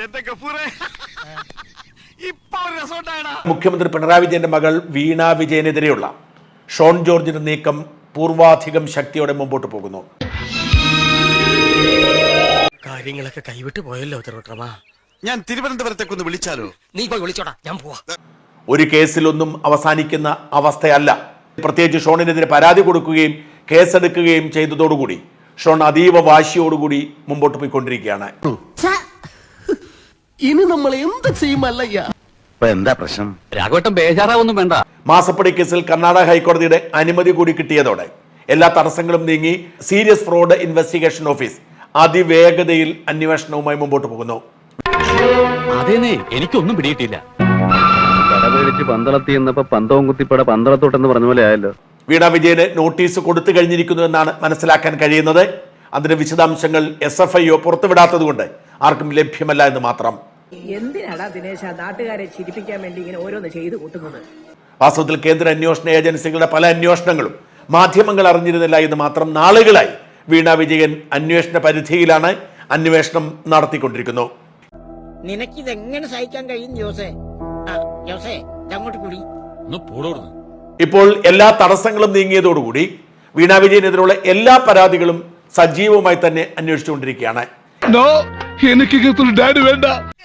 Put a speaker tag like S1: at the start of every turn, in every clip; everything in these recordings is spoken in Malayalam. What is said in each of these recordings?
S1: മുഖ്യമന്ത്രി പിണറായി വിജയന്റെ മകൾ വീണ വിജയനെതിരെയുള്ള ഷോൺ ജോർജിന്റെ നീക്കം പൂർവാധികം ശക്തിയോടെ മുമ്പോട്ട് പോകുന്നു.
S2: കാര്യങ്ങളൊക്കെ കൈവിട്ട് പോയല്ലോ തിരുവട്ടമാ.
S3: ഞാൻ തിരുവനന്തപുരത്തേക്കൊന്ന് വിളിച്ചാലോ?
S2: നീ പോയി വിളിച്ചോടാ, ഞാൻ പോവാ.
S1: ഒരു കേസിലൊന്നും അവസാനിക്കുന്ന അവസ്ഥയല്ല. പ്രത്യേകിച്ച് ഷോണിനെതിരെ പരാതി കൊടുക്കുകയും കേസെടുക്കുകയും ചെയ്തതോടുകൂടി ഷോൺ അതീവ വാശിയോടുകൂടി മുമ്പോട്ട് പോയിക്കൊണ്ടിരിക്കുകയാണ്.
S4: ഇനി നമ്മൾ എന്ത് ചെയ്യുമല്ലയ്യ?
S3: എന്താ പ്രശ്നം?
S5: രാഘവട്ടം ബേജാറാവൊന്നും വേണ്ട.
S1: മാസപ്പടി കേസിൽ കർണാടക ഹൈക്കോടതിയുടെ അനുമതി കൂടി കിട്ടിയതോടെ എല്ലാ തടസ്സങ്ങളും നീങ്ങി സീരിയസ് ഫ്രോഡ് ഇൻവെസ്റ്റിഗേഷൻ ഓഫീസ് അതിവേഗതയിൽ അന്വേഷണവുമായി മുമ്പോട്ട് പോകുന്നു.
S5: അതേന്നേ, എനിക്കൊന്നും പിടിയിട്ടില്ല.
S6: കടപേടിച്ച് പന്തളത്തി എന്നപ്പോ പന്തവും കുത്തിപ്പട പന്തളത്തോട്ടെന്ന് പറഞ്ഞ പോലെ ആയല്ലോ.
S1: വീണ വിജയന് നോട്ടീസ് കൊടുത്തു കഴിഞ്ഞിരിക്കുന്നു എന്നാണ് മനസ്സിലാക്കാൻ കഴിയുന്നത്. അതിന്റെ വിശദാംശങ്ങൾ SFIO പുറത്തുവിടാത്തത് കൊണ്ട് ആർക്കും ലഭ്യമല്ല എന്ന് മാത്രം.
S7: എന്തിനാടാ ദിനേശ നാട്ടുകാരെ ചിരിപ്പിക്കാൻ വേണ്ടി ഇങ്ങനെ ഓരോന്ന് ചെയ്തു കൂട്ടുന്നത്?
S1: വാസ്തവത്തിൽ കേന്ദ്ര അന്വേഷണ ഏജൻസികളുടെ പല അന്വേഷണങ്ങളും മാധ്യമങ്ങൾ അറിഞ്ഞിരുന്നില്ല എന്ന് മാത്രം. നാളുകളായി വീണ വിജയൻ അന്വേഷണ പരിധിയിലാണ് അന്വേഷണം നടത്തിക്കൊണ്ടിരിക്കുന്നു.
S7: നിനക്കിതെങ്ങനെ സഹിക്കാൻ കഴിയും ജോസേ? ജോസേ അങ്ങോട്ട് കൂടി.
S1: ഇപ്പോൾ എല്ലാ തടസ്സങ്ങളും നീങ്ങിയതോടുകൂടി വീണ വിജയനെതിരെയുള്ള എല്ലാ പരാതികളും സജീവമായി തന്നെ അന്വേഷിച്ചുകൊണ്ടിരിക്കുകയാണ്.
S4: വേണ്ട.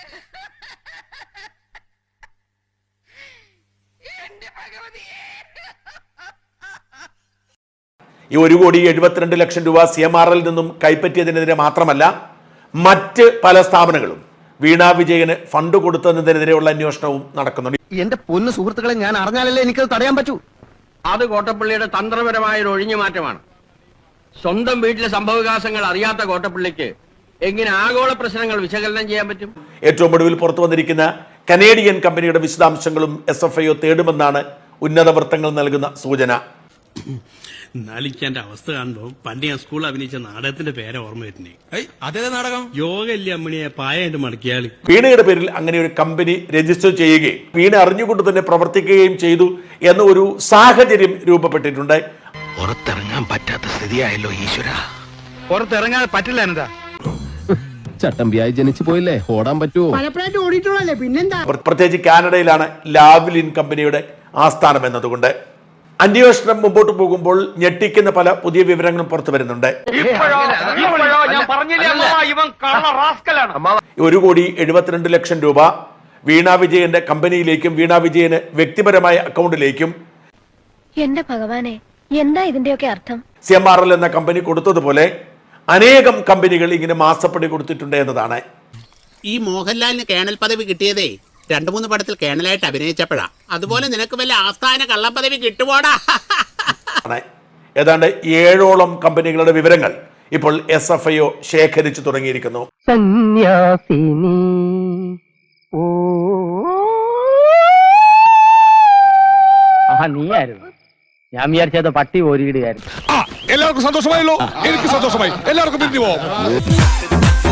S1: ഈ 1,72,00,000 രൂപ CMRL നിന്നും കൈപ്പറ്റിയതിനെതിരെ മാത്രമല്ല, മറ്റ് പല സ്ഥാപനങ്ങളും വീണ വിജയന് ഫണ്ട് കൊടുത്തതിനെതിരെയുള്ള അന്വേഷണവും നടക്കുന്നുണ്ട്.
S4: എന്റെ പൊന്നു സുഹൃത്തുക്കളെ, ഞാൻ അറിഞ്ഞാലല്ലേ എനിക്കത് തടയാൻ പറ്റൂ.
S8: അത് കോട്ടപ്പള്ളിയുടെ തന്ത്രപരമായ ഒരു ഒഴിഞ്ഞു മാറ്റമാണ്. സ്വന്തം വീട്ടിലെ സംഭവവികാസങ്ങൾ അറിയാത്ത കോട്ടപ്പള്ളിക്ക് എങ്ങനെ ആഗോള പ്രശ്നങ്ങൾ വിശകലനം ചെയ്യാൻ പറ്റും?
S1: ഏറ്റവും ഒടുവിൽ പുറത്തു വന്നിരിക്കുന്ന കനേഡിയൻ കമ്പനിയുടെ വിശദാംശങ്ങളും SFIO തേടുമെന്നാണ് ഉന്നത വൃത്തങ്ങൾ നൽകുന്ന സൂചന.
S9: നാലിക്കാന്റെ അവസ്ഥ കാണുമ്പോ പണ്ട് ഞാൻ സ്കൂളിൽ അഭിനയിച്ച നാടകത്തിന്റെ പേരെ ഓർമ്മ വരുന്നേ. അതേ നാടകം യോഗ ഇല്ലേ അമ്മണിയെ പായായിട്ട് മടക്കിയാളി.
S1: വീണയുടെ പേരിൽ അങ്ങനെ ഒരു കമ്പനി രജിസ്റ്റർ ചെയ്യുകയും വീണ അറിഞ്ഞുകൊണ്ട് തന്നെ പ്രവർത്തിക്കുകയും ചെയ്തു എന്ന ഒരു സാഹചര്യം രൂപപ്പെട്ടിട്ടുണ്ട്.
S3: പുറത്തിറങ്ങാൻ പറ്റാത്ത സ്ഥിതിയായല്ലോ ഈശ്വര.
S8: പുറത്തിറങ്ങാൻ പറ്റില്ല. എന്താ
S4: ചട്ടമ്പിയായി ജനിച്ചു പോയില്ലേ, ഓടാൻ പറ്റുമോ?
S7: പലപ്പോഴായിട്ട് ഓടിയിട്ടുള്ളല്ലേ, പിന്നെന്താ?
S1: പ്രത്യേകിച്ച് കാനഡയിലാണ് ലാവ്ലിൻ കമ്പനിയുടെ ആസ്ഥാനം എന്നതുകൊണ്ട്. അന്വേഷണം മുമ്പോട്ട് പോകുമ്പോൾ ഞെട്ടിക്കുന്ന പല പുതിയ വിവരങ്ങളും പുറത്തു വരുന്നുണ്ട്. 1,72,00,000 രൂപ വീണ വിജയന്റെ കമ്പനിയിലേക്കും വീണ വിജയന് വ്യക്തിപരമായ അക്കൗണ്ടിലേക്കും
S10: എന്റെ ഭഗവാനെ, എന്താ ഇതിന്റെയൊക്കെ അർത്ഥം?
S1: CMRL എന്ന കമ്പനി കൊടുത്തതുപോലെ അനേകം കമ്പനികൾ ഇങ്ങനെ മാസപ്പടി കൊടുത്തിട്ടുണ്ട് എന്നതാണ്.
S9: ഈ മോഹൻലാലിന് കേണൽ പദവി കിട്ടിയതേ 2-3 പടത്തിൽ കേണലായിട്ട് അഭിനയിച്ചപ്പോഴാ. അതുപോലെ നിനക്ക് വല്ല ആസ്ഥാന കള്ളപ്പദവി കിട്ടുപോടാ.
S1: ഏതാണ്ട് 7ഓളം കമ്പനികളുടെ വിവരങ്ങൾ ഇപ്പോൾ SFIO ശേഖരിച്ചു തുടങ്ങിയിരിക്കുന്നു.
S4: സന്യാസിനി
S6: നീയായിരുന്നു. ഞാൻ വിചാരിച്ചത് പട്ടി ഓരിയിടുകയായിരുന്നു.
S4: എല്ലാവർക്കും സന്തോഷമായല്ലോ. എനിക്ക് സന്തോഷമായി. എല്ലാവർക്കും പിരിഞ്ഞു പോവാം.